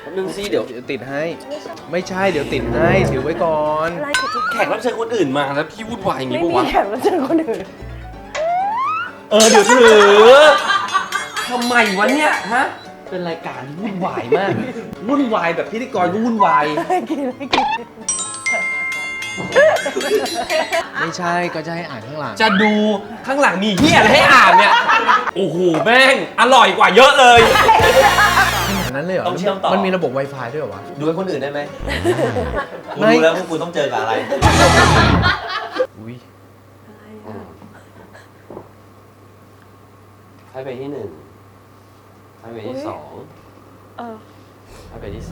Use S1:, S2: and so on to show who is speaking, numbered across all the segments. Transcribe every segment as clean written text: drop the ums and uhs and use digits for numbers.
S1: นึงสิเดี๋ยว
S2: ติดให้ไม่ใช่เดี๋ยวติดให้ถือไว้ก่อน
S1: แขกรับเชิญคนอื่นมาแล้วพี่วุ่นวายอย่างนี้
S3: ไม่
S1: ปะ
S3: มี
S1: วะ
S3: แขกรับเชิญคนอื่น
S1: เดี๋ยวถือทำไมวะเนี่ยฮะเป็นรายการที่วุ่นวายมากวุ่นวายแบบพิธีกรก็วุ่นวาย
S3: กิน
S2: ไม่ใช่ก็จะให้อ่านข้างหลัง
S1: จะดูข้างหลังมีเฮียอะไรให้อ่านเนี่ยโอ้โหแม่งอร่อยกว่าเยอะเลย
S2: ขนาดนั้นเลยเหรอ
S1: ต้องเชื่อมต่อ
S2: มันมีระบบ Wi-Fi ด้วยเหรอวะ
S1: ดูให้คนอื่นได้ไหมกู
S2: ไม่
S1: รู้แล้วว่ากูต้องเจอกับอะไร
S2: อุ้ย
S1: ให้ไปที่1ให้ไปที่2ให้ไปที่3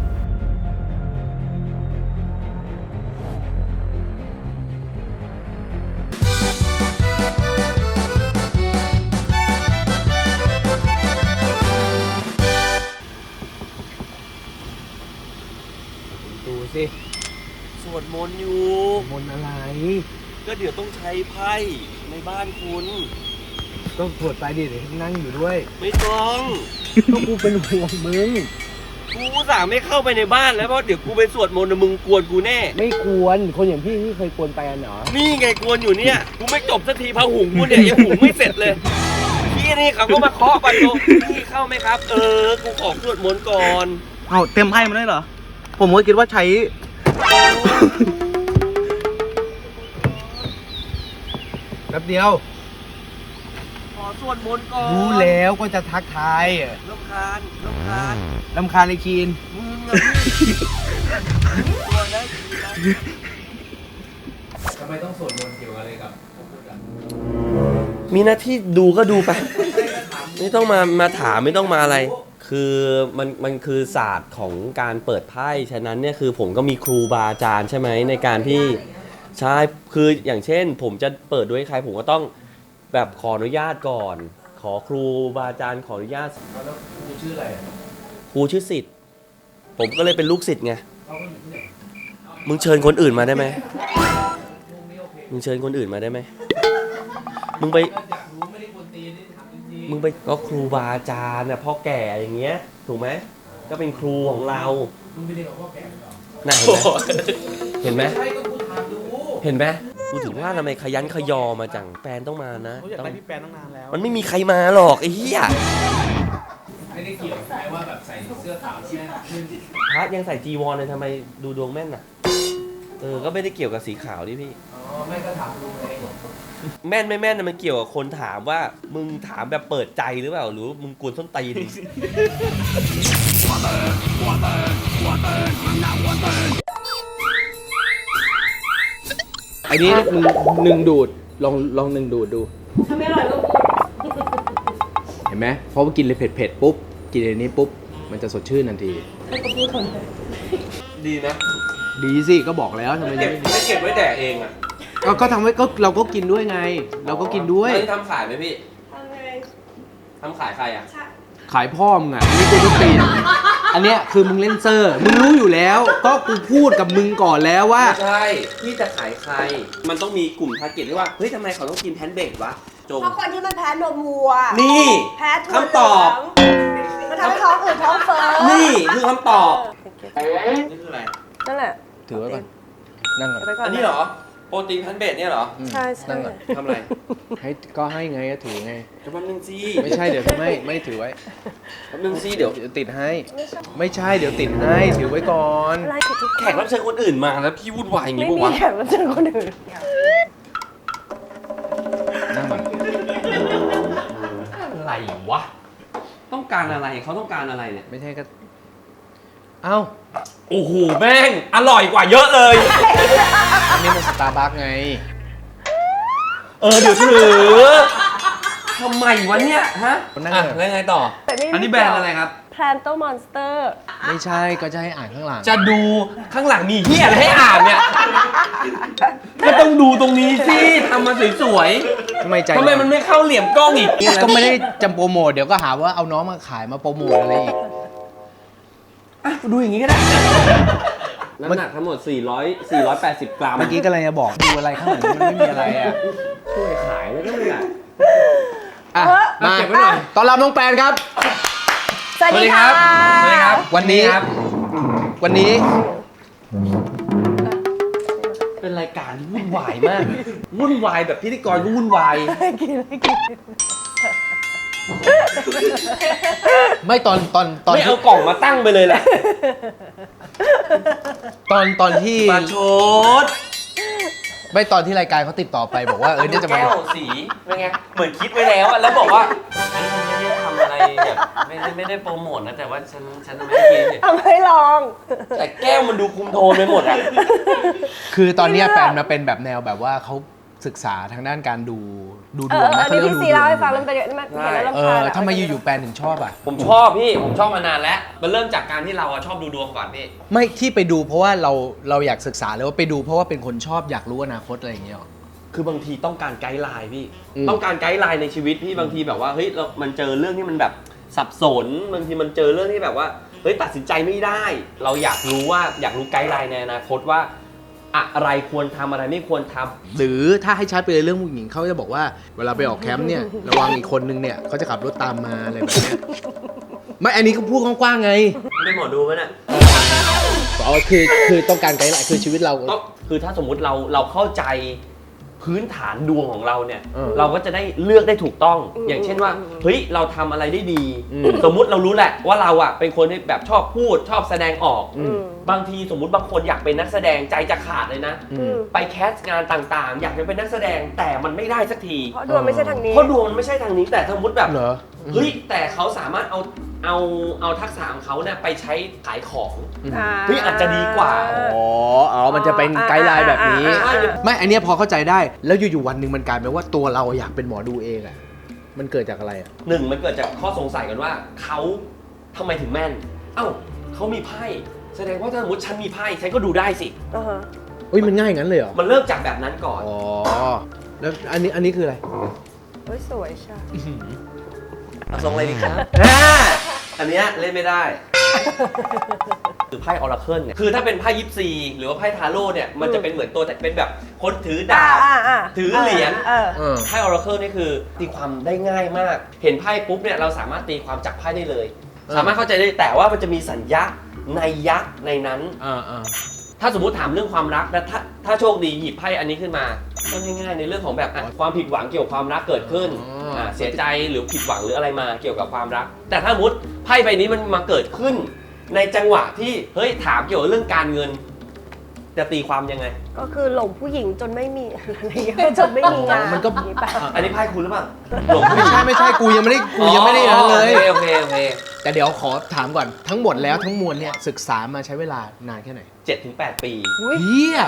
S2: ดูสิ
S1: สวดมนต์อยู่
S2: มนอะไร
S1: ก็เดี๋ยวต้องใช้ไพ่ในบ้านคุณ
S2: ก็ปวดไปดิเดี๋ยวนั่งอยู่ด้วย
S1: ไม่ต้อง
S2: ก็กูเป็นห่วงมึง
S1: กูสั่งไม่เข้าไปในบ้านแล้วเพราะเดี๋ยวกูไปสวดมนต์มึงกวนกูแน่
S2: ไม่กวนคนอย่างพี่เคยกวนไปกันเหรอ
S1: นี่ไงกวนอยู่เนี่ยกูไม่จบสักทีพะหุงกูเนี่ยยังหุงไม่เสร็จเลยพี่นี่เขาก็มาเคาะประตูพี่เข้าไหมครับกูขอสวดมนต์ก่อน
S4: เอาเต็มไพ่มาได้เหรอผมก็คิดว่าใช้
S2: แป๊บเดียว
S1: ขอสวดมนต์ก่อน
S2: รู้แล้วก็จะทักทาย
S1: รำคาญ
S2: ไอ้คีน
S1: มึงอะพี่ตัวนะ
S2: ทำไมต้องสวดมนต์เกี่ยวอะไรกับ
S1: มีหน้าที่ดูก็ดูไปไม่ต้องมาถามไม่ต้องมาอะไรคือมันคือศาสตร์ของการเปิดไพ่ฉะนั้นเนี่ยคือผมก็มีครูบาอาจารย์ใช่ไหมในการที่ใช่คืออย่างเช่นผมจะเปิดด้วยใครผมก็ต้องแบบขออนุญาตก่อนขอครูบาอาจารย์ขออนุญาต
S2: แล้วครูชื่ออะไร
S1: ครูชื่อศิษย์ผมก็เลยเป็นลูกศิษย์ไงมึงเชิญคนอื่นมาได้ไหมมึงเชิญคนอื่นมาได้ไหมมึงไปก็ครูบาอาจารย์น่ะพ่อแก่อย่างเงี้ยถูกไหมก็เป็นครูของเรา
S2: มึงไปเรียนกับพ่อแก่เหรอ
S1: น่าเห็นไหมเห็นไหมกูถึงว่าทำไมขยันขยอมาจังแฟนต้องมานะ
S4: อยากได้พี่แฟนตั้งนานแล้ว
S1: มันไม่มีใครมาหรอกไอ้เหี้ย
S2: ไม่ได้เกี่ยวแม้ว่าแบบใส่เสื้อขาวใช่ไหม
S1: พระยังใส่จีวรเลยทำไมดูดวงแม่นน่ะก็ไม่ได้เกี่ยวกับสีขาวดิพี่
S2: แม่ก็ถามดูไง
S1: แม่นไม่แม่นนะมันเกี่ยวกับคนถามว่ามึงถามแบบเปิดใจหรือเปล่าหรือมึงกวนส้นตีน
S2: อันนี้หนึ่งดูดลองหนึ่งดูดดู
S3: ทำไม่อร่อยลูก
S2: เห็นไหมเพราะว่ากินเลยเผ็ดปุ๊บกินอันนี้ปุ๊บมันจะสดชื่นทันที
S3: ให้กูพูดคนเลย
S1: ดีนะ
S2: ดีสิก็บอกแล้วทำไมไม่ดี
S1: ไม่เก็บไว้แดกเองอ่ะ
S2: ก็ทำไว้ก็เราก็กินด้วยไงเราก็กินด้วย
S1: ทำขายไหมพี่ทำขายใครอ่ะ
S2: ขายพ่อมึงอ่ะนี่กูต้องตีอันเนี้ยคือมึงเล่นเซอร์มึงรู้อยู่แล้วก็กูพูดกับมึงก่อนแล้วว่า
S1: ไม่ใช่ที่จะขายใครมันต้องมีกลุ่มทาร์เก็ตที่ว่าเฮ้ยทำไมเขาต้องกินแพนเบกวะ
S3: จงเพราะคนที่มันแพ้นมวัว
S1: นี่
S3: แพ้ถั่ว
S1: คำตอบ
S3: มันทำให้ท้องอืดท้องเฟ้อ
S1: นี่คือคำตอบนี่คืออะไร
S3: นั่นแหละ
S2: ถือไว้ก่อนนั่งก่อน
S1: อันนี้เหรอโปรตีนแพนเบกเนี่ยเหรอ
S3: ใช่
S2: นั่งก่อน
S1: ทำอะไร
S2: ก็ให้ไงก็ถือไง
S1: แป๊บนึงสิ
S2: ไม่ใช่เดี๋ยวไม่ถือไว้
S1: แป๊บนึงสิเดี๋ยว
S2: ติดให้ไม่ใช่เดี๋ยวติดให้ถือไว้ก่อน
S1: แขกรับเชิญคนอื่นมาแล้วพี่วุ่นวายอย่างนี้ปะวะ
S3: ไม่มีแขกรับเชิญคนอื่น
S2: นั่งก่อน
S1: อะไรวะต้องการอะไรเขาต้องการอะไรเนี่ย
S2: ไม่ใช่ก็เอ้า
S1: โอ้โหแม่งอร่อยกว่าเยอะเลย
S2: อันนี้มันสตาร์บัคไง
S1: เดี๋ยวถือทำไมวะเนี่ยฮะแล้วไงต่ออันนี้แบรนด์อะไรครับ
S3: Planto Monster
S2: ไม่ใช่ก็จะให้อ่านข้างหลัง
S1: จะดูข้างหลังมีเหี้ยอะไรให้อ่านเนี่ยก็ต้องดูตรงนี้สิทำมาสวย
S2: ๆทำไม
S1: มันไม่เข้าเหลี่ยมกล้องอีก
S2: ก็ไม่ได้จำโปรโมทเดี๋ยวก็หาว่าเอาน้องมาขายมาโปรโมทอะไรอีก
S1: ดูอย่างนี้ก็ได้น้ำหนักทั้งหมด480 กรัม
S2: เมื่อกี้ก็เลยจะบอกดูอะไรข้างหลังมันไม่มีอะไรอ่ะ
S1: ช่วยขายแล้วก็ไม่ได้
S2: มาเก็บไว้หน่อยต้อนรับน้องแปนครับ
S3: สวัสดีค่ะ
S1: สวัสดีครับ
S2: วันนี้
S1: ครับ
S2: วันนี้
S1: เป็นรายการที่วุ่นวายมาก วุ่นวายแบบพิธีกรก็วุ่นวาย
S2: ไม่ตอน
S1: ไม่
S2: ที่
S1: เอากล่องมาตั้งไปเลยแหละ
S2: ตอนที่
S1: มาโชด
S2: ไม่ตอนที่รายการเขาติดต่อไปบอกว่าเนี่ยจะมา
S1: แก้วสีเป็นไง เหมือนคิดไว้แล้วอะแล้วบอกว่าฉันไม่ได้ทำอะไรแบบไม่ได้โปรโมทนะ แต่ว่าฉันไม่ได้กินเนี่ย
S3: ทำให้ลอง
S1: แต่แก้วมันดูคุมโทนไปหมดอะ
S2: คือตอนเนี้ยแฟนมาเป็นแบบแนวแบบว่าเขาศึกษาทางด้านการดูดวงนะ
S3: นี่
S2: เขาเรียก
S3: พี่
S2: ว่า
S3: ซี
S2: ดูด
S3: เล่าว ให้
S2: ง
S3: ฟังแล้วมันเป็นยังไงเห็นแล้วรำคาญอะ
S2: ทำไมอยู่ๆแฟนถึงชอบอ่ะ
S1: ผมชอบพี่ ผมชอบมานานแล้ว มันเริ่มจากการที่เราอะชอบดูดวงก่อนพี่
S2: ไม่ที่ไปดูเพราะว่าเราอยากศึกษาเลยว่าไปดูเพราะว่าเป็นคนชอบอยากรู้อนาคตอะไรอย่างเงี้ยหรอ
S1: คือบางทีต้องการไกด์ไลน์พี่
S2: อืม
S1: ต้องการไกด์ไลน์ในชีวิตพี่บางทีแบบว่าเฮ้ยมันเจอเรื่องที่มันแบบสับสนบางทีมันเจอเรื่องที่แบบว่าเฮ้ยตัดสินใจไม่ได้ เราอยากรู้ไกด์ไลน์ในอนาคตว่าอะไรควรทำอะไรไม่ควรทำ
S2: หรือถ้าให้ชัดไปเลยเรื่องผู้หญิงเขาจะบอกว่าเวลาไปออกแคมป์เนี่ยระวังอีกคนนึงเนี่ยเขาจะขับรถตามมาอะไรแบบเนี้ยไม่อันนี้ก็พูดกว้างๆไง
S1: ไม่หมอดูไหมน่ะ
S2: อ๋อคือต้องการไกด์ไลน์คือชีวิตเรา
S1: ก็คือถ้าสมมุติเราเข้าใจพื้นฐานดวงของเราเนี่ย เราก็จะได้เลือกได้ถูกต้อง อย่างเช่นว่าเฮ้ยเราทำอะไรได้ดี สมมุติเรารู้แหละว่าเราอ่ะเป็นคนที่แบบชอบพูดชอบแสดงออก บางทีสมมุติบางคนอยากเป็นนักแสดงใจจะขาดเลยนะ ไปแคสต์งานต่างๆ อยากจะเป็นนักแสดงแต่มันไม่ได้สักที
S3: เพราะดวงไม่ใช่ทางนี้
S1: เพราะดวงมันไม่ใช่ทางนี้แต่สมมติแบบ
S2: เหรอ
S1: เฮ้ยแต่เขาสามารถเอาทักษะของเขาเนี่ยไปใช้ขายของ เฮ้ยอาจจะดีกว่า
S2: อ๋อมันจะเป็นไกด์ไลน์แบบนี้
S1: อ่า
S2: ไม่อันเนี้ยพอเข้าใจได้แล้วอยู่ๆวันหนึ่งมันกลายเป็นว่าตัวเราอยากเป็นหมอดูเองอ่ะมันเกิดจากอะไรอ่ะ
S1: หนึ่งมันเกิดจากข้อสงสัยกันว่าเขาทำไมถึงแม่น เอ้าเขามีไพ่แสดงว่าถ้าสมมติฉันมีไพ่ฉันก็ดูได้สิ
S2: อุ้ยมันง่ายงั้นเลยเหรอ
S1: มันเริ่มจากแบบนั้นก่อน
S2: อ๋อแล้วอันนี้คืออะไร
S3: เฮ้ยสวยใช่
S1: เอาทรงอะไรดีครับ อันเนี้ยเล่นไม่ได้ คือไพ่ออราเคิลเนี่ยคือถ้าเป็นไพ่ยิปซีหรือว่าไพ่ทาโร่เนี่ยมันจะเป็นเหมือนตัวแต่เป็นแบบคนถือดาบ ถือเหรียญ ไพ่ออราเคิลนี่คือตีความได้ง่ายมาก เห็นไพ่ปุ๊บเนี่ยเราสามารถตีความจากไพ่ได้เลย สามารถเข้าใจได้แต่ว่ามันจะมีสัญญาในยักษ์ในนั้น ถ้าสมมุติถามเรื่องความรักนะถ้าโชคดีหยิบไพ่อันนี้ขึ้นมาก็ง่ายๆในเรื่องของแบบความผิดหวังเกี่ยวกับความรักเกิดขึ้นเสียใจหรือผิดหวังหรืออะไรมาเกี่ยวกับความรัก แต่ถ้าสมมติไพ่ใบนี้มันมาเกิดขึ้น ในจังหวะที่เฮ้ยถามเกี่ยวกับเรื่องการเงิน จะตีความยังไง
S3: ก็คือหลงผู้หญิงจนไม่มีอะไรอย่างเงี้ยจนไม่มีงาน
S2: มันก็
S3: อย่างงี้ป่ะ
S1: อันนี้ไพ่คุณหรือเปล่าหลง
S2: ไม่ใช่กูยังไม่ได้นั้นเลย
S1: โอเค
S2: แต่เดี๋ยวขอถามก่อนทั้งหมดแล้วทั้งมวลเนี่ยศึกษามาใช้เวลานานแค่ไหน
S1: 7-8 ปี
S2: เฮีย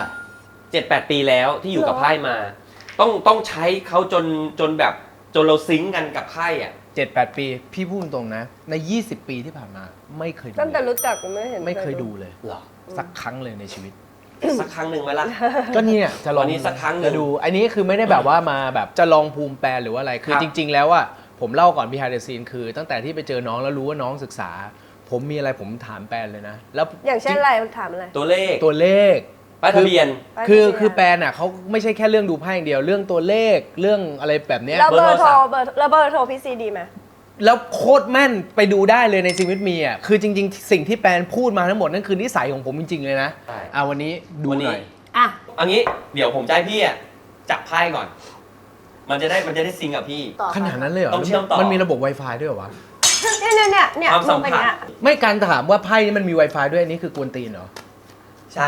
S1: 7-8 ปีแล้วที่อยู่กับไพ่มา ต้องใช้เขาจนแบบจนเราซิงก์กันกับไพ่อ่ะ
S2: 7-8 ปี พี่พูดตรงนะ ใน 20 ปีที่ผ่านมาไม่เคยดู
S3: ตั้งแต่รู้จักก็ไม่เห็น
S2: ไม่เคยดูเลย
S1: เหรอ
S2: สักครั้งเลยในชีวิต
S1: สักครั้งหนึ่งไหมล่ะ
S2: ก็เนี่ยจะลอง
S1: วันนี้สักครั้งหนึ่ง
S2: จะดู อันนี้คือไม่ได้แบบว่ามาแบบจะลองภูมิแปลหรือว่าอะไร คือ
S1: ครับ
S2: จริง ๆ แล้วอ่ะผมเล่าก่อน behind the scene คือ ตั้งแต่ที่ไปเจอน้องแล้วรู้ว่าน้องศึกษา ผมมีอะไรผมถามแปลเลยนะ แล้ว
S3: อย่างเช่นอะไรมันถามอะไร
S1: ตัวเลข
S2: ตัวเลข
S1: ป้ายทะเบียน
S2: คือแปลน่ะเขาไม่ใช่แค่เรื่องดูไพ่อย่างเดียวเรื่องตัวเลขเรื่องอะไรแบบเนี้ย
S3: แล้วเบอร์โทร
S1: เบอร์โทรศัพท์
S3: แล้วเบอร์โทรพี่ซีดีไหม
S2: แล้วโคตรแม่นไปดูได้เลยในชีวิตมีอ่ะคือจริง ๆ สิ่งที่แปนพูดมาทั้งหมดนั่นคือนิสัยของผมจริง ๆ เลยนะ
S1: ใช่
S2: วันนี้ดู
S1: วัน
S2: ห
S1: นี้
S2: น่อย
S3: อ่ะ
S1: อันนี้เดี๋ยวผมจะให้พี่อ่ะจับไพ่ก่อน มันจะได้ซิงก์กับพี่
S3: ต่อ
S2: ขนาดนั้นเลยเหรอ
S1: ต้องเชื่อมต่อ
S2: มันมีระบบ Wi-Fi ด้วยเหรอวะ
S3: เนี่ย
S1: ความสัม
S3: เป็น
S1: ผัส
S3: เนี้ย
S2: ไม่การถามว่าไพ่นี่มันมี Wi-Fi ด้วยอันนี้คือกวนตีนเหรอ
S1: ใช่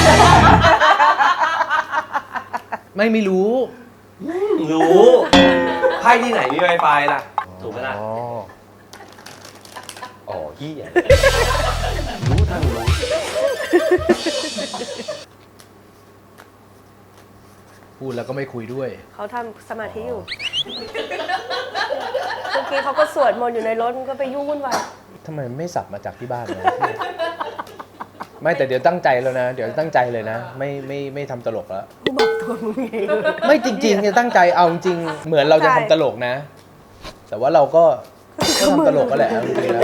S2: ไม่รู้
S1: รู้ไพ่ที่ไหนมี Wi-Fi ล่ะ ถูกไหมล่ะ อ๋อพี่อ่ะรู้ทั้งรู้
S2: พูดแล้วก็ไม่คุยด้วย
S3: เขาทำสมาธิอยู่เมื่อกี้เขาก็สวดมนต์อยู่ในรถมันก็ไปยุ่งวุ่นวาย
S2: ทำไมไม่สับมาจากที่บ้านนะ ไม่แต่เดี๋ยวตั้งใจแล้วนะ เดี๋ยวตั้งใจเลยนะ ไม่ทำตลกแล้ว
S3: บอกตัวมึงเอง
S2: ไม่จริงๆจะตั้งใจเอาจริงๆเหมือนเราจะทำตลกนะ แต่ว่าเราก็ทำตลกก็แหละเอาจริงๆแล้ว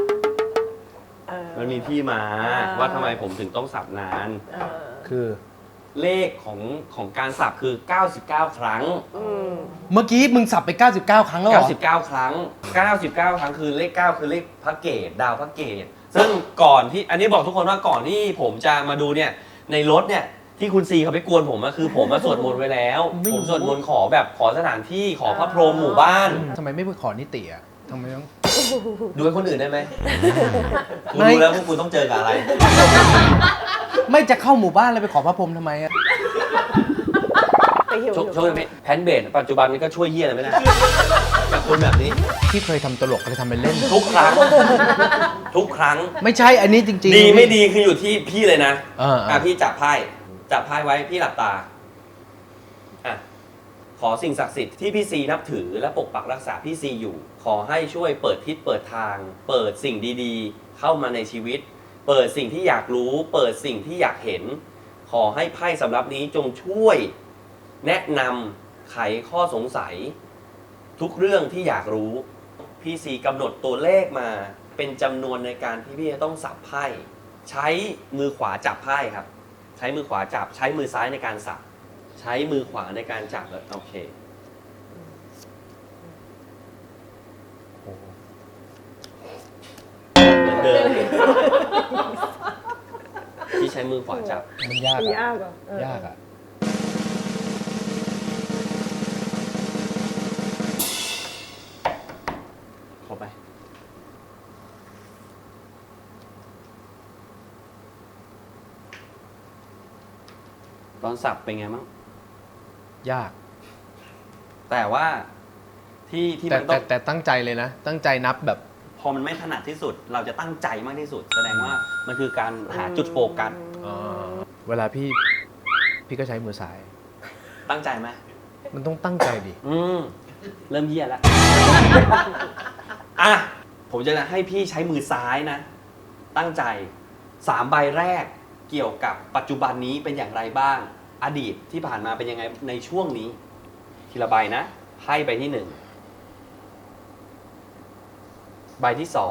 S1: มันมีที่มาว่าทำไมผมถึงต้องสับนาน
S2: คือ
S1: เลขของการสับคือ 99 ครั้ง
S2: เมื่อกี้มึงสับไป 99 ครั้งแล้วเหรอ
S1: 99 ครั้ง 99 ครั้งคือเลข 9 คือเลขพระเกตดาวพระเกตซึ่งก่อนที่อันนี้บอกทุกคนว่าก่อนที่ผมจะมาดูเนี่ยในรถเนี่ยที่คุณซีเขาไปกวนผมก็คือผมมาสวดมนต์ไว้แล้ว
S2: ไม่รู้
S1: ผมสวดมนต์ขอแบบขอสถานที่ขอพระพรหมหมู่บ้าน
S2: ทำไมไม่ไปขอนิติอ่ะทำไมต้อง
S1: ดูให้คนอื่นได้ไหมคุณ
S2: ไม่
S1: รู้แล้วว่าคุณต้องเจอกับอะไร
S2: ไม่จะเข้าหมู่บ้านเลยไปขอพระพรหมทำไมอ่ะ
S3: ไปหิว
S1: ช่วงนี้แพนเบดปัจจุบันนี้ก็ช่วยเยี่ยอะไรไม่ได้กับคนแบบนี้
S2: ที่เคยทำตลกเคยทำเป็นเล่น
S1: ทุกครั้ง ทุกครั้ง
S2: ไม่ใช่อันนี้จริงๆ
S1: ดีไม่ดีคืออยู่ที่พี่เลยนะ
S2: อ่า
S1: พี่จับไพ่ไว้พี่หลับตาอ่ะขอสิ่งศักดิ์สิทธิ์ที่พี่ซีนับถือและปกปักรักษาพี่ซีอยู่ ขอให้ช่วยเปิดทิศเปิดทาง เปิดสิ่งดีๆ เข้ามาในชีวิต เปิดสิ่งที่อยากรู้ เปิดสิ่งที่อยากเห็น ขอให้ไพ่สำรับนี้จงช่วยแนะนำไขข้อสงสัย ทุกเรื่องที่อยากรู้พี่ซีกำหนดตัวเลขมาเป็นจำนวนในการที่พี่จะต้องสับไพ่ใช้มือขวาจับไพ่ครับ ใช้มือขวาจับใช้มือซ้ายในการสับใช้มือขวาในการจับแล้วโอเคเหมือนเดิมพี่ใช้มือขวาจับ
S2: มันยาก
S3: มัน
S2: อะ
S3: ยากเหรอย
S2: ากอ่ะ
S1: ครบไหมตอนสับเป็นไงบ้าง
S2: ยาก
S1: แต่ว่าที่
S2: แต่
S1: มันต้อง
S2: แต่ตั้งใจเลยนะ ตั้งใจนับแบบ
S1: พอมันไม่ถนัดที่สุด เราจะตั้งใจมากที่สุด แสดงว่ามันคือการหาจุดโฟกัส
S2: เวลาพี่ก็ใช้มือซ้าย
S1: ตั้งใจไหม
S2: มันต้องตั้งใจดิ
S1: เริ่มเยี่ยแล้ว อ่ะ ผมจะให้พี่ใช้มือซ้ายนะ ตั้งใจ3ใบแรกเกี่ยวกับปัจจุบันนี้เป็นอย่างไรบ้าง อดีตที่ผ่านมาเป็นยังไงในช่วงนี้ ทีละใบนะไพ่ใบที่1ใบที่2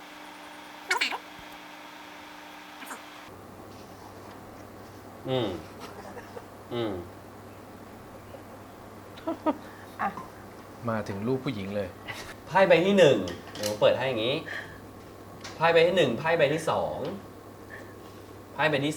S1: อืม
S2: มาถึงรูปผู้หญิงเลย
S1: ไพ่ใบที่1เดี๋ยวผมเปิดให้อย่างนี้ไพ่ใบที่1ไพ่ใบที่2ไพ่ใบที่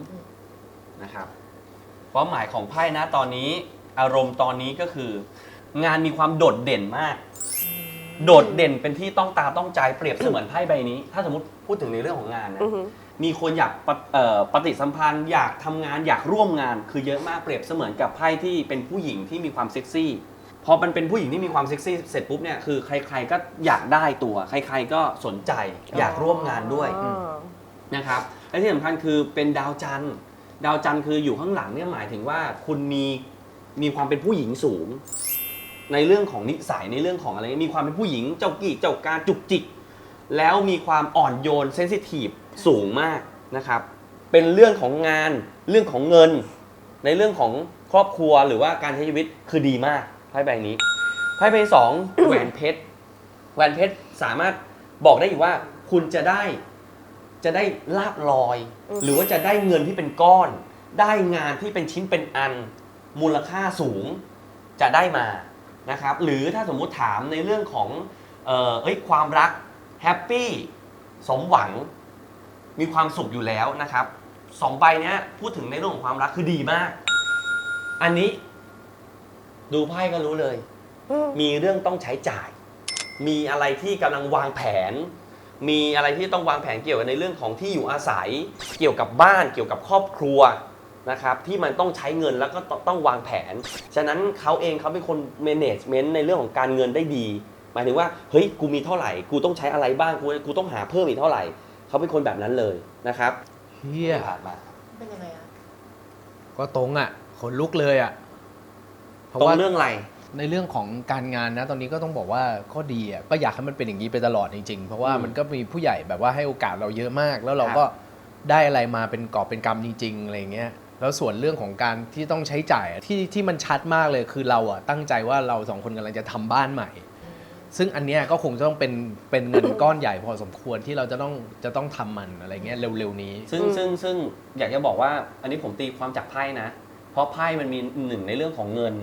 S1: 3นะครับความหมายของไพ่นะตอนนี้อารมณ์ตอนนี้ก็คือ งานมีความโดดเด่นมาก โดดเด่นเป็นที่ต้องตาต้องใจเปรียบเสมือนไพ่ใบนี้ ถ้าสมมติพูดถึงในเรื่องของงานนะ มีคนอยากปฏิสัมพันธ์อยากทำงานอยากร่วมงานคือเยอะมากเปรียบเสมือนกับไพ่ที่เป็นผู้หญิงที่มีความเซ็กซี่พอมันเป็นผู้หญิงที่มีความเซ็กซี่เสร็จปุ๊บเนี่ยคือใครๆก็อยากได้ตัวใครๆก็สนใจอยากร่วมงานด้วยนะครับและที่สำคัญคือเป็นดาวจันทร์ดาวจันทร์คืออยู่ข้างหลังเนี่ยหมายถึงว่าคุณมีความเป็นผู้หญิงสูง ในเรื่องของนิสัยในเรื่องของอะไรมีความเป็นผู้หญิงเจ้ากี้เจ้าการจุกจิกแล้วมีความอ่อนโยนเซนซิทีฟสูงมากนะครับเป็นเรื่องของงานเรื่องของเงิน ในเรื่องของครอบครัวหรือว่าการใช้ชีวิตคือดีมากไพ่ใบนี้ไพ่ใบสอง แหวนเพชรแหวนเพชรสามารถบอกได้อยู่ว่าคุณจะได้ลาภลอย หรือว่าจะได้เงินที่เป็นก้อน ได้งานที่เป็นชิ้นเป็นอันมูลค่าสูงจะได้มานะครับหรือถ้าสมมุติถามในเรื่องของความรักแฮปปี้สมหวังมีความสุขอยู่แล้วนะครับ2ใบนี้พูดถึงในเรื่องของความรักคือดีมากอันนี้ดูไพ่ก็รู้เลยมีเรื่องต้องใช้จ่ายมีอะไรที่กำลังวางแผนมีอะไรที่ต้องวางแผนเกี่ยวกับในเรื่องของที่อยู่อาศัยเกี่ยวกับบ้านเกี่ยวกับครอบครัวนะครับที่มันต้องใช้เงินแล้วก็ต้องวางแผนฉะนั้นเขาเองเขาเป็นคน management ในเรื่องของการเงินได้ดีหมายถึงว่าเฮ้ยกูมีเท่าไหร่กูต้องใช้อะไรบ้างกูต้องหาเพิ่มอีกเท่าไหร่เขาเป็นคนแบบนั้นเลยนะครับ
S2: เฮีย
S1: ผ่านมา
S3: เป็นยังไงอะ
S2: ก็ตรงอ่ะขนลุกเลยอ่ะเพราะ
S1: ตรง
S2: ว่า
S1: เรื่องอะไร
S2: ในเรื่องของการงานนะตอนนี้ก็ต้องบอกว่าก็ดีอ่ะก็อยากให้มันเป็นอย่างนี้ไปตลอดจริงๆเพราะว่ามันก็มีผู้ใหญ่แบบว่าให้โอกาสเราเยอะมาก แล้วเราก็ได้อะไรมาเป็นกอบเป็นกำจริงๆอะไรเงี้ยแล้วส่วนเรื่องของการที่ต้องใช้จ่ายที่มันชัดมากเลยคือเราอ่ะตั้งใจว่าเราสองคนกำลังจะทำบ้านใหม่ ซึ่งอันเนี้ยก็คงจะต้องเป็นเงินก้อนใหญ่พอสมควรที่เราจะต้องทำมันอะไรเงี้ยเร็วๆนี้
S1: ซึ่งอยากจะบอกว่าอันนี้ผมตีความจากไพ่นะเพราะไพ่มันมี1ในเรื่องของเงิน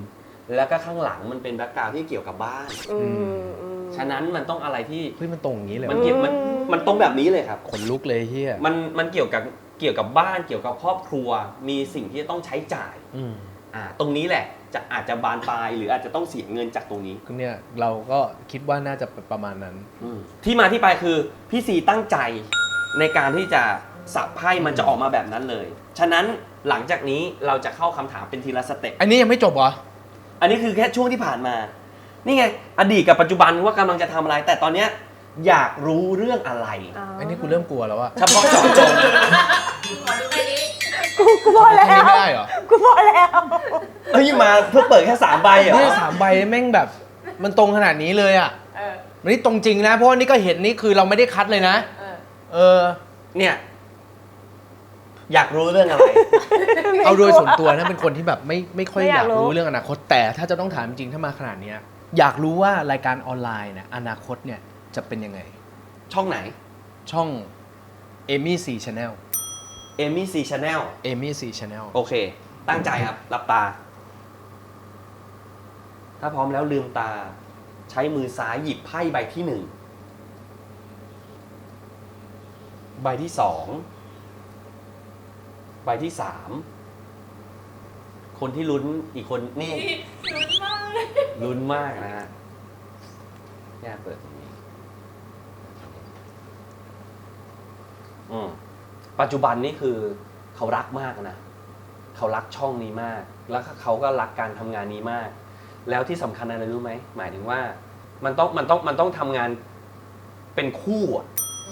S1: แล้วก็ข้างหลังมันเป็นแบ็คกราวด์ที่เกี่ยวกับบ้าน
S3: อืม
S1: ฉะนั้นมันต้องอะไรที่
S2: เฮ้ยมันตรงอย่างนี้เลย
S1: มัน
S2: วะ
S1: เกี่ยวมันตรงแบบนี้เลยครับ
S2: ขนลุกเลยเฮีย
S1: มันเกี่ยวกับบ้านเกี่ยวกับครอบครัว มีสิ่งที่จะต้องใช้จ่าย
S2: อืม
S1: ตรงนี้แหละอาจจะบานปลายหรืออาจจะต้องเสียเงินจากตรงนี้
S2: เนี่ยเราก็คิดว่าน่าจะประมาณนั้น
S1: ที่มาที่ไปคือพี่ซีตั้งใจในการที่จะสับไพ่มันจะออกมาแบบนั้นเลย ฉะนั้นหลังจากนี้เราจะเข้าคำถามเป็นทีละสเต็ป
S2: อันนี้ยังไม่จบเหรอ
S1: อันนี้คือแค่ช่วงที่ผ่านมา นี่ไง อดีตกับปัจจุบันว่ากำลังจะทำอะไร แต่ตอนเนี้ยอยากรู้เรื่องอะไร
S2: อันนี้กูเริ่มกลัวแล้วอะ
S1: เฉพาะเจาะจง
S3: กูพอแล้
S2: อันนี้
S3: ว
S2: ไม่ได้เหรอ
S3: กูพอแล้ว
S1: เฮ้ยมาเพื่อเปิดแค่3 ใบเหรอ
S2: เนี่ย3 ใบแม่งแบบมันตรงขนาดนี้เลยอะมันนี่ตรงจริงนะ เพราะว่านี่ก็เห็นนี่คือเราไม่ได้คัดเลยนะ เออ
S1: เนี่ย อยากรู้เรื่องอะไร
S2: เอาโดยส่วนตัวนะเป็นคนที่แบบไม่ค่อย
S3: ไม่อยาก ก
S2: อายรู้
S3: รู้
S2: เรื่องอนาคต แต่ถ้าจะต้องถามจริงถ้ามาขนาดเนี้ยอยากรู้ว่ารายการออนไลน์เนี่ยอนาคตเนี่ยจะเป็นยังไง
S1: ช่องไหน
S2: ช่อง Amy C Channel
S1: Amy C Channel
S2: Amy C Channel
S1: โอเค ตั้งใจครับ หลับตา ถ้าพร้อมแล้วลืมตา ใช้มือซ้ายหยิบไพ่ใบที่ 1 ใบที่ 2 ใบที่ 3 คนที่ลุ้นอีกคนนี่ลุ้นมากนะฮะแย่เปิดตรงนี้ปัจจุบันนี่คือเขารักมากนะ เขารักช่องนี้มาก แล้วเขาก็รักการทำงานนี้มาก แล้วที่สำคัญอะไรรู้ไหม หมายถึงว่ามันต้องทำงานเป็นคู่อะ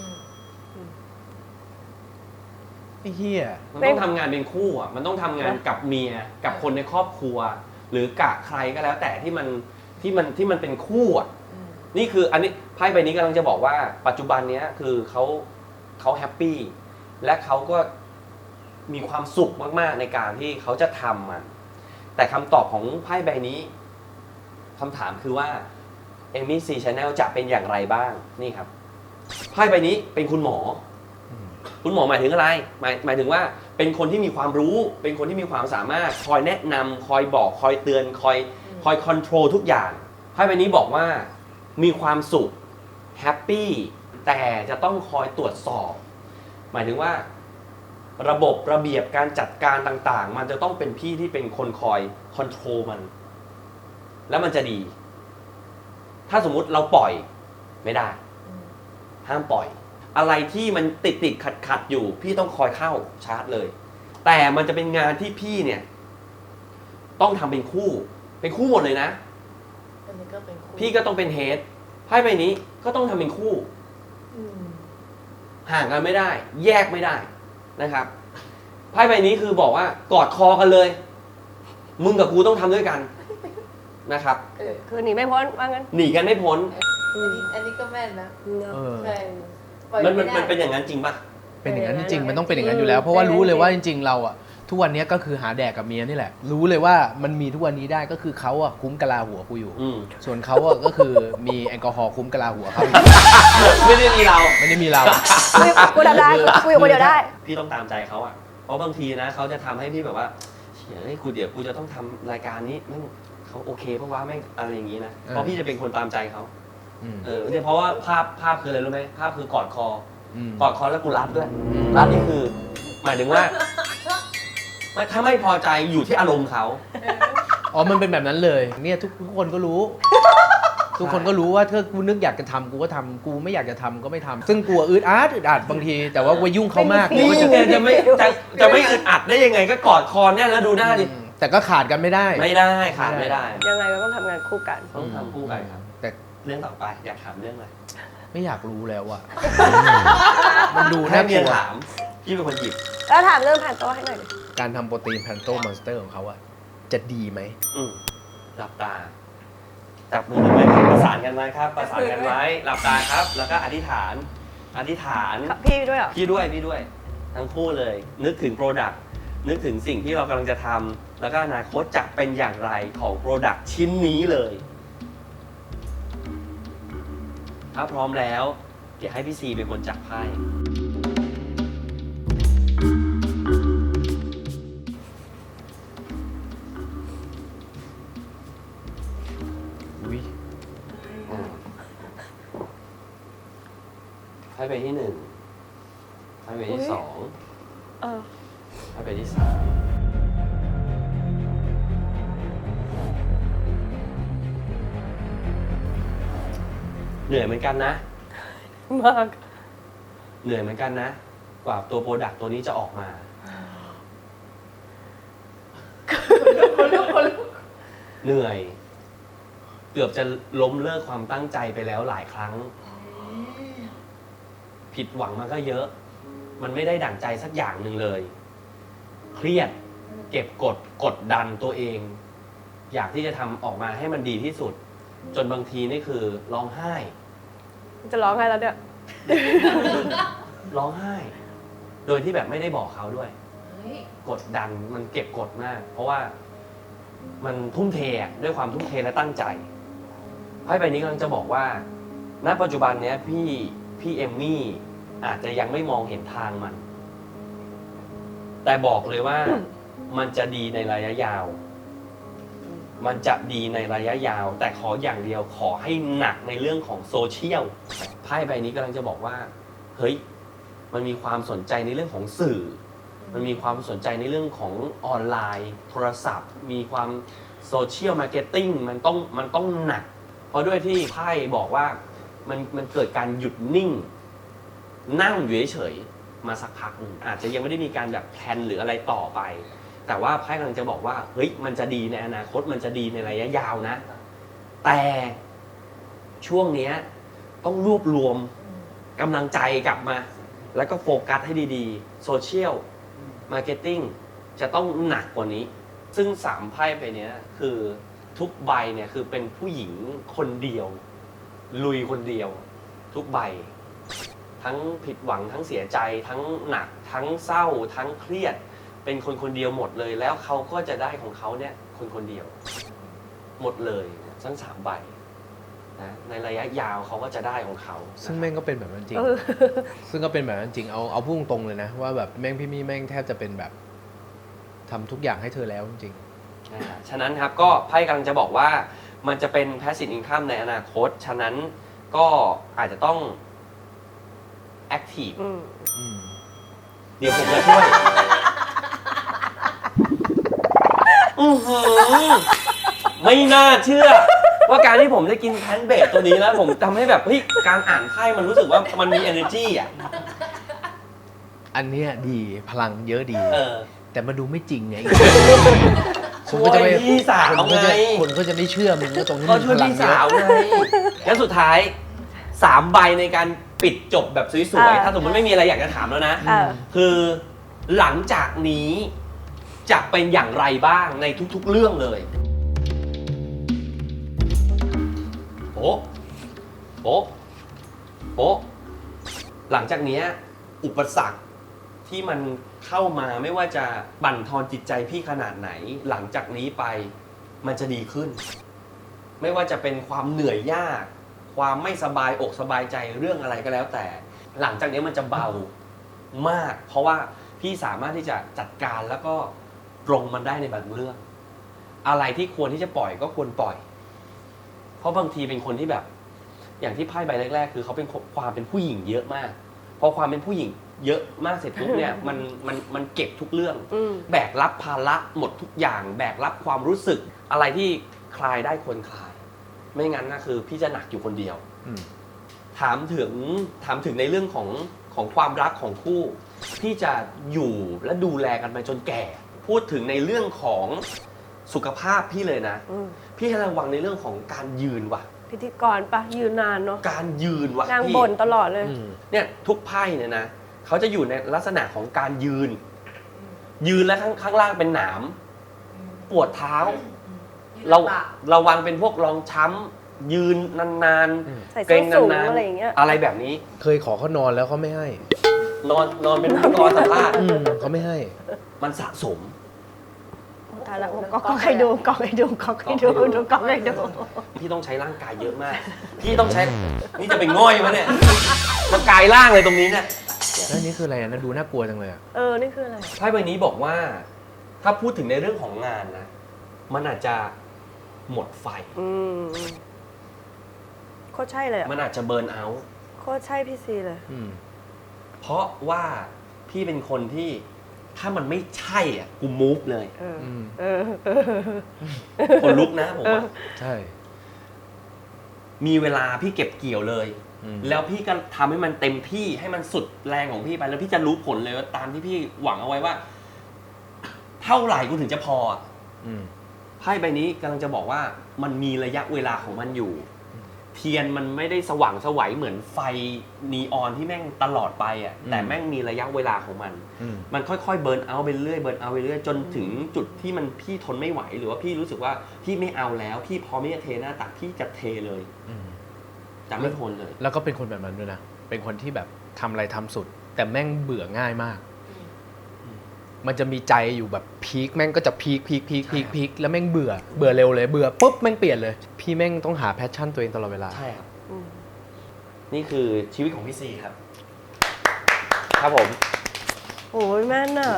S2: ไอ้เหี้ย
S1: มันต้องทำงานเป็นคู่อ่ะ มันต้องทำงานกับเมีย กับคนในครอบครัว หรือกับใครก็แล้วแต่ที่มันเป็นคู่อ่ะ นี่คืออันนี้ไพ่ใบนี้กำลังจะบอกว่า ปัจจุบันเนี้ยคือเขาแฮปปี้ และเขาก็มีความสุขมากๆในการที่เขาจะทำมัน แต่คำตอบของไพ่ใบนี้คำถามคือว่า Amy C Channel จะเป็นอย่างไรบ้าง นี่ครับ ไพ่ใบนี้เป็นคุณหมอ คุณหมอหมายถึงอะไร หมายถึงว่าเป็นคนที่มีความรู้ เป็นคนที่มีความสามารถ คอยแนะนำคอยบอก คอยเตือน คอยคอนโทรลทุกอย่าง ไพ่ใบนี้บอกว่ามีความสุข แฮปปี้ แต่จะต้องคอยตรวจสอบ หมายถึงว่าระบบระเบียบการจัดการต่างๆ มันจะต้องเป็นพี่ที่เป็นคนคอยคอนโทรลมัน แล้วมันจะดี ถ้าสมมุติเราปล่อยไม่ได้ ห้ามปล่อย อะไรที่มันติดขัดอยู่ พี่ต้องคอยเข้าชาร์จเลย แต่มันจะเป็นงานที่พี่เนี่ย ต้องทำเป็นคู่หมดเลยนะ พี่ก็ต้องเป็นเฮดไพ่ใบนี้ก็ต้องทำเป็นคู่ ห่างกันไม่ได้ แยกไม่ได้นะครับไพ่ใบนี้คือบอกว่ากอดคอกันเลย มึงกับกูต้องทำด้วยกันนะครับ
S3: คือหนีไม่พ้นว่างั้น
S1: หนีกันไม่พ้น
S5: อันนี้ก็แม่นนะ
S2: เออ
S5: ใช่ปล่อย
S1: มัน
S5: ไม่ได้
S1: เป็นอย่างนั้นจริงปะ
S2: เป็นอย่างนั้นจริงๆมันต้องเป็นอย่างนั้นอยู่แล้ว เพราะว่ารู้เลยว่าจริงๆเราอะทุกวันนี้ก็คือหาแดกกับเมียนี่แหละ รู้เลยว่ามันมีทุกวันนี้ได้ก็คือเขาอะคุ้มกะลาหัวกูอยู่ ส่วนเขาอะก็คือมีแอลกอฮอล์คุ้มกะลาหัวเขา
S1: ไม่ได้มีเรา
S2: ไม่ได้มีเรา
S3: กูทำได้กูอยู่คนเดียวได้
S1: พี่ต้องตามใจเขาอ่ะ เพราะบางทีนะเขาจะทำให้พี่แบบว่าเฮ้ยเดี๋ยวกูจะต้องทำรายการนี้แม่งเขาโอเคเพราะว่าแม่งอะไรอย่างนี้นะ เพราะพี่จะเป็นคนตามใจเขา เนี่ยเพราะว่าภาพคืออะไรรู้ไหมภาพคือกอดคอกอดคอแล้วกูรัดด้วยรัดนี่คือ หมายถึงว่าถ้าไม่พอใจอยู่ที่อารมณ์เขา
S2: อ๋อมันเป็นแบบนั้นเลยเนี่ยทุกคนก็รู้ ทุกคนก็รู้ว่าถ้ากูนึกอยากจะทำกูก็ทำกูไม่อยากจะทำก็ไม่ทำซึ่งกลัวอึดอัดบางที แต่ว่ากูยุ่งเขามาก
S3: ไม่
S1: นี่
S3: มี
S1: ไงจะไม่อึดอัดได้ยังไงก็กอดคอเนี่ยแล้วดูหน้าดิ
S2: แต่ก็ขาดกันไม่ได้
S1: ไม่ได้ขาดไม่ได้
S3: ยังไงก็ต้องทำงานคู่กัน
S1: ต้องทำคู่กันครับ
S2: แต่
S1: เรื่องต่อไปอยากถามเรื่องอะไร
S2: ไม่อยากรู้แล้วอะ มันดู
S1: ให้
S2: น่าก
S1: เมีย
S2: ลัว
S1: ถามพี่เป็นคนหยิบ
S3: แล้วถามเรื่องผ่านโต๊ะให้หน่อยดิ
S2: การทำโปรตีนแพนโตมอนสเตอร์ของเขาอะจะดีไหม
S1: หลับตาจับมือกันไว้ประสานกันไว้ครับประสานกันไว้หลับตาครับ แล้วก็อธิษฐาน
S3: พี่ด้วยเหรอ
S1: พี่ด้วยทั้งคู่เลย นึกถึงโปรดักต์นึกถึงสิ่งที่เรากำลังจะทำแล้วก็อนาคตจะเป็นอย่างไรของโปรดักต์ชิ้นนี้เลย ถ้าพร้อมแล้วเดี๋ยวให้พี่ซีเป็นคนจับไพ่ใบที่หนึ่งไพ่ใบที่สอง
S3: เออ
S1: ไพ่ใบที่สามเหนื่อยเหมือนกันนะ
S3: มาก
S1: เหนื่อยเหมือนกันนะ กว่าตัวโปรดักต์ตัวนี้จะออกมา เหนื่อย เกือบจะล้มเลิกความตั้งใจไปแล้วหลายครั้ง ผิดหวังมาก็เยอะ มันไม่ได้ดั่งใจสักอย่างหนึ่งเลย เครียด เก็บกดดันตัวเอง อยากที่จะทำออกมาให้มันดีที่สุด จนบางทีนี่คือร้องไห้
S3: จะร้องไงแล้วเนี่ย
S1: ร้องไห้ โดยที่แบบไม่ได้บอกเขาด้วย กดดันมันเก็บกดมาก เพราะว่ามันทุ่มเทอะด้วยความทุ่มเทและตั้งใจไพ่ใบนี้กำลังจะบอกว่า ณ ปัจจุบันเนี้ยพี่เอมมี่อาจจะยังไม่มองเห็นทางมัน แต่บอกเลยว่า มันจะดีในระยะยาว มันจะดีในระยะยาว แต่ขออย่างเดียวขอให้หนักในเรื่องของโซเชียลไพ่ใบนี้กำลังจะบอกว่า เฮ้ย มันมีความสนใจในเรื่องของสื่อ มันมีความสนใจในเรื่องของออนไลน์ โทรศัพท์ มีความโซเชียลมาร์เก็ตติ้งมันต้องหนัก เพราะด้วยที่ไพ่บอกว่ามันเกิดการหยุดนิ่ง นั่งอยู่เฉยๆมาสักพักหนึ่งอาจจะยังไม่ได้มีการแบบแพลนหรืออะไรต่อไป แต่ว่าไพ่กำลังจะบอกว่าเฮ้ยมันจะดีในอนาคตมันจะดีในระยะยาวนะ แต่ช่วงเนี้ยต้องรวบรวมกำลังใจกลับมา แล้วก็โฟกัสให้ดีๆโซเชียลมาร์เก็ตติ้งจะต้องหนักกว่านี้ ซึ่ง3ไพ่ไปเนี้ยคือทุกใบเนี่ยคือเป็นผู้หญิงคนเดียว ลุยคนเดียว ทุกใบ ทั้งผิดหวังทั้งเสียใจทั้งหนักทั้งเศร้าทั้งเครียด เป็นคนคนเดียวหมดเลย แล้วเขาก็จะได้ของเขาเนี่ยคนคนเดียว หมดเลยทั้ง3ใบนะในระยะยาวเขาก็จะได้ของเขา
S2: ซึ่งแม่งก็เป็นแบบนั้นจริง
S3: เออ
S2: ซึ่งก็เป็นแบบนั้นจริง เอาพูดตรงๆเลยนะ ว่าแบบแม่งพี่มี่แม่งแทบจะเป็นแบบทำทุกอย่างให้เธอแล้วจริง
S1: ฉะนั้นครับก็ไพ่กำลังจะบอกว่ามันจะเป็น passive income ในอนาคต ฉะนั้นก็อาจจะต้อง active
S3: อืม
S1: เดี๋ยวผมจะช่วย อื้อหือไม่น่าเชื่อ ว่าการที่ผมได้กินแพนเบสตัวนี้แล้ว ผมทำให้แบบเฮ้ยการอ่านไพ่มันรู้สึกว่ามันมี energy อ่ะ
S2: อันเนี้ยดีพลังเยอะดี แต่มาดูไม่จริงไง
S1: ช่วยพี่สาว
S2: คนก็
S1: ไง
S2: จะไม่เชื่อมึงว่าตรงนี้
S1: ก็
S2: มี
S1: ช่วย
S2: พลัง
S1: พี่
S2: เย
S1: สาว
S2: อะ
S1: ไงแล้วสุดท้าย3ใบในการปิดจบแบบสวยๆ ถ้าสมมติไม่มีอะไรอยากจะถามแล้วนะ คือหลังจากนี้จะเป็นอย่างไรบ้างในทุกๆเรื่องเลยโป๊ะโป๊ะโป๊ะหลังจากนี้อุปสรรคที่มันเข้ามาไม่ว่าจะบั่นทอนจิตใจพี่ขนาดไหน หลังจากนี้ไปมันจะดีขึ้น ไม่ว่าจะเป็นความเหนื่อยยาก ความไม่สบายอกสบายใจเรื่องอะไรก็แล้วแต่ หลังจากนี้มันจะเบามาก เพราะว่าพี่สามารถที่จะจัดการแล้วก็ปรงมันได้ในบางเรื่อง อะไรที่ควรที่จะปล่อยก็ควรปล่อย เพราะบางทีเป็นคนที่แบบ อย่างที่ไพ่ใบแรกๆคือเขาเป็นความเป็นผู้หญิงเยอะมากพอความเป็นผู้หญิงเยอะมากเสร็จปุ๊บเนี่ยมันเก็บทุกเรื่อง แบกรับภาระหมดทุกอย่าง แบกรับความรู้สึกอะไรที่คลายได้ควรคลาย ไม่งั้นนะคือพี่จะหนักอยู่คนเดียว ถามถึงในเรื่องของความรักของคู่พี่จะอยู่และดูแลกันไปจนแก่ พูดถึงในเรื่องของสุขภาพพี่เลยนะ พี่ให้ระวังในเรื่องของการยืนว่ะ
S3: พิธีกรปะยืนนานเนาะ
S1: การยืนว่ะ
S3: นาง
S1: พี่
S3: บ่นตลอดเลย
S1: เนี่ยทุกไพ่เนี่ยนะเขาจะอยู่ในลักษณะของการยืน ยืนแล้วข้างล่างเป็นหนามปวดเท้า เราระวังเป็นพวกรองช้ำยืนนาน
S3: ใส่
S1: ๆเก
S3: ส้
S1: ร
S3: น
S1: ง
S3: สูง
S1: นาน
S3: อะไรอย่างเงี้ย
S1: ๆอะไรแบบนี้
S2: เคยขอเขานอนแล้วเขาไม่ให้
S1: นอนเป็นนอนสัมภาษณ์
S2: เขาไม่ให้
S1: มันสะสม
S3: ตายละก็ให้ดูก็ให้ดูก็ให้ดูดูก็ให้ดู
S1: พี่ต้องใช้ร่างกายเยอะมาก พี่ต้องใช้นี่จะเป็นง่อยมั้ยเนี่ยมันกายร่างเลยตรงนี้เนี่ย
S2: แล้วนี่คืออะไรนะดูน่ากลัวจังเลยอะ
S3: นี่คืออะไร
S1: ไพ่ใบนี้บอกว่า ถ้าพูดถึงในเรื่องของงานนะมันอาจจะหมดไฟ
S3: โคตรใช่เลยอะ
S1: มันอาจจะเบิร์นเอาท์
S3: โคตรใช่พี่ซีเลย
S1: เพราะว่าพี่เป็นคนที่ถ้ามันไม่ใช่อ่ะกูมูฟเลย
S3: เออ
S2: ม
S3: เออ
S1: คนลุกนะผมว่า
S2: ใช่
S1: มีเวลาพี่เก็บเกี่ยวเลย แล้วพี่ก็ทำให้มันเต็มที่ให้มันสุดแรงของพี่ไปแล้วพี่จะรู้ผลเลยว่าตามที่พี่หวังเอาไว้ว่า เท่าไหร่กูถึงจะพออะ
S2: อืม
S1: ไพ่ใบนี้กำลังจะบอกว่ามันมีระยะเวลาของมันอยู่ เทียนมันไม่ได้สว่างไสวัยเหมือนไฟนีออนที่แม่งตลอดไปอ่ะแต่แม่งมีระยะเวลาของมัน มันค่อยๆเบิร์นเอาท์ไปเรื่อยเบิร์นเอาท์ไปเรื่อยจนถึงจุดที่มันพี่ทนไม่ไหวหรือว่าพี่รู้สึกว่าพี่ไม่เอาแล้วพี่พร้อมที่จะเทหน้าตักพี่จะเทเลยจะไม่ทนเลย
S2: แล้วก็เป็นคนแบบนั้นด้วยนะ เป็นคนที่แบบทำอะไรทำสุด แต่แม่งเบื่อง่ายมาก มันจะมีใจอยู่แบบพีคแม่งก็จะพีคแล้วแม่งเบื่อเร็วเลยเบื่อปุ๊บแม่งเปลี่ยนเลย พี่แม่งต้องหาแพชชั่นตัวเองตลอดเวลา
S1: ใช่ครับ
S3: อืม
S1: นี่คือชีวิตของพี่ซีครับ ครับผม
S3: โอ้ยแม่นอะ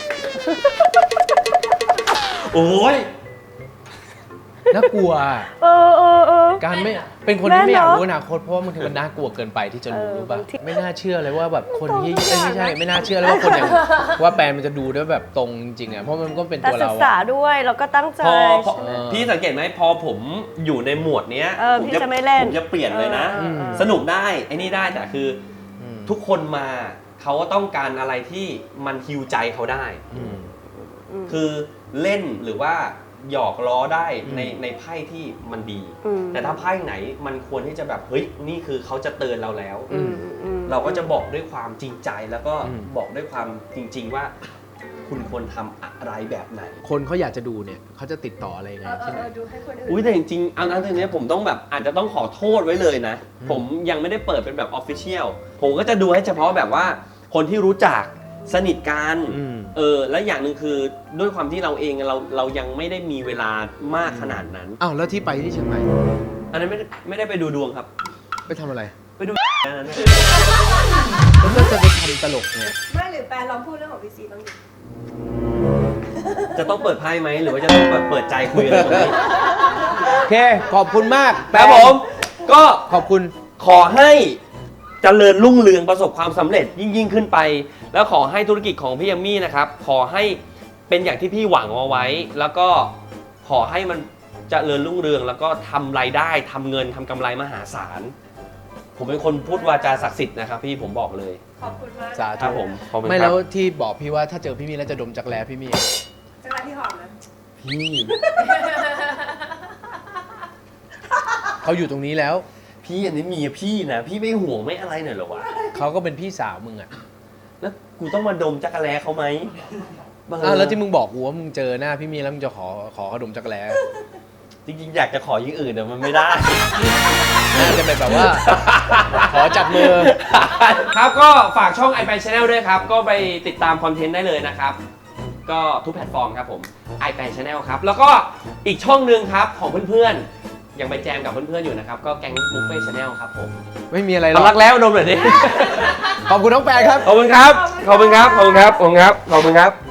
S1: โอ้ย
S2: น่ากลัว
S3: เออ
S2: การไม่เป็นคนที่ไม่อยาก
S3: แม่นเนอะ
S2: รู้อนาคตเพราะว่าบางทีมันน่ากลัวเกินไปที่จะรู้ รู้ป่ะ
S3: บางที
S2: ไม่น่าเชื่อเลยว่าแบบคนที่
S3: ตรงทุกอย่าง
S2: ไม่ใช่ไม่น่าเชื่อเลยว่าคนอย่างว่าแปลนมันจะดูด้วยแบบตรงจริงๆอ่ะเพราะมันก็เป็น
S3: แต่
S2: ตัว
S3: ศึ
S2: เรา
S3: กษา
S2: อะ
S3: ด้วยแล้วก็ตั้งใจ
S1: พอ
S3: ใช่ไหม
S1: พี่สังเกตไหมพอผมอยู่ในหมวดเนี้ย ผม
S3: พี่จะไม่เล่น
S1: ผมจะเปลี่ยนเลยนะ สนุกได้ไอ้นี่ได้แต่คืออ
S2: ม
S1: ทุกคนมาเขาก็ต้องการอะไรที่มันฮิวใจเขาได้
S2: อืม
S1: คือเล่นหรือว่าหยอกล้อได้
S2: อืม
S1: ในไพ่ที่มันดี
S3: อืม
S1: แต่ถ้าไพ่ไหนมันควรที่จะแบบเฮ้ยนี่คือเขาจะเตือนเราแล้ว
S3: อืม
S1: เราก็จะบอกด้วยความจริงใจแล้วก็
S2: อืม
S1: บอกด้วยความจริง ๆ ว่า คุณควรทำอะไรแบบไหน
S2: คนเขาอยากจะดูเนี่ยเขาจะติดต่ออะไรยังไงที่ไหน
S5: ดูให้คนอื่น
S1: อุ้ยแต่จริงๆเอาอันนี้ผมต้องแบบอาจจะต้องขอโทษไว้เลยนะ ผมยังไม่ได้เปิดเป็นแบบออฟฟิเชียลผมก็จะดูให้เฉพาะแบบว่าคนที่รู้จักสนิทกัน
S2: อืม
S1: และอย่างหนึ่งคือด้วยความที่เราเองเรายังไม่ได้มีเวลามากขนาดนั้น
S2: อ้าวแล้วที่ไปที่เชียงใหม่
S1: อันนั้นไม่ได้ไปดูดวงครับ
S2: ไปทำอะไร
S1: ไปดูอันนั้น
S2: แล้วก็จะไปทำตลกเนี่ย
S3: ไม่หรือแปลลองพูดเรื่องของพี่ซีบ้างดิ
S1: จะต้องเปิดไพ่ไหมหรือว่าจะต้องเปิดใจคุยกันตรงนี้
S2: โอเค ขอบคุณมาก
S1: ครับผมก็
S2: ขอบคุณ
S1: ขอให้เจริญรุ่งเรืองประสบความสำเร็จยิ่งขึ้นไป แล้วขอให้ธุรกิจของพี่ยัมมี่นะครับ ขอให้เป็นอย่างที่พี่หวังเอาไว้ แล้วก็ขอให้มันเจริญรุ่งเรือง แล้วก็ทำรายได้ทำเงินทำกำไรมหาศาล ผมเป็นคนพูดวาจาศักดิ์สิทธิ์นะครับพี่ผมบอกเลย
S3: ขอบคุณมาก
S2: สา
S1: ครั
S2: ธุ
S1: บผมขอบคุณ
S2: ไม่
S1: ค
S2: แล้
S1: รับ
S2: วที่บอกพี่ว่าถ้าเจอพี่มีแล้วจะดมจักแร้พี่มี
S3: จังไรที่หอมนะ
S1: พี่
S2: เขาอยู่ตรงนี้แล้ว
S1: พี่อันนี้เมียพี่นะพี่ไม่ห่วงไม่อะไรหน่อยเหรอวะ
S2: เขาก็เป็นพี่สาวมึงอ่ะ
S1: แล้วกูต้องมาดมจักรแล้เขาไหมบ้า
S2: อ้าวแล้วที่มึงบอกกูว่ามึงเจอหน้าพี่มีแล้วมึงจะขอเขาดมจักแร้
S1: จริงๆอยากจะขออย่างอื่นแต่มันไม่ได้
S2: น่าจะเป็นแบบว่า ขอจับมือ
S1: ครับก็ฝากช่อง iPad Channel ด้วยครับ ก็ไปติดตามคอนเทนต์ได้เลยนะครับ ก็ทุกแพลตฟอร์มครับผม iPad Channel ครับ แล้วก็อีกช่องหนึ่งครับของเพื่อนๆ ยังไปแจมกับเพื่อนๆอยู่นะครับ ก็แก๊งบุฟเฟ่ชาแนลครับผม
S2: ไม่มีอะไรหร
S1: เอา
S2: อก
S1: รักแล้วดมหน่อยดิ
S2: ขอบคุณน้องแปนครับ
S1: ขอบคุณครับ ขอบคุณครับ ขอบคุณครับ ขอบคุณครับ ขอบคุณครับ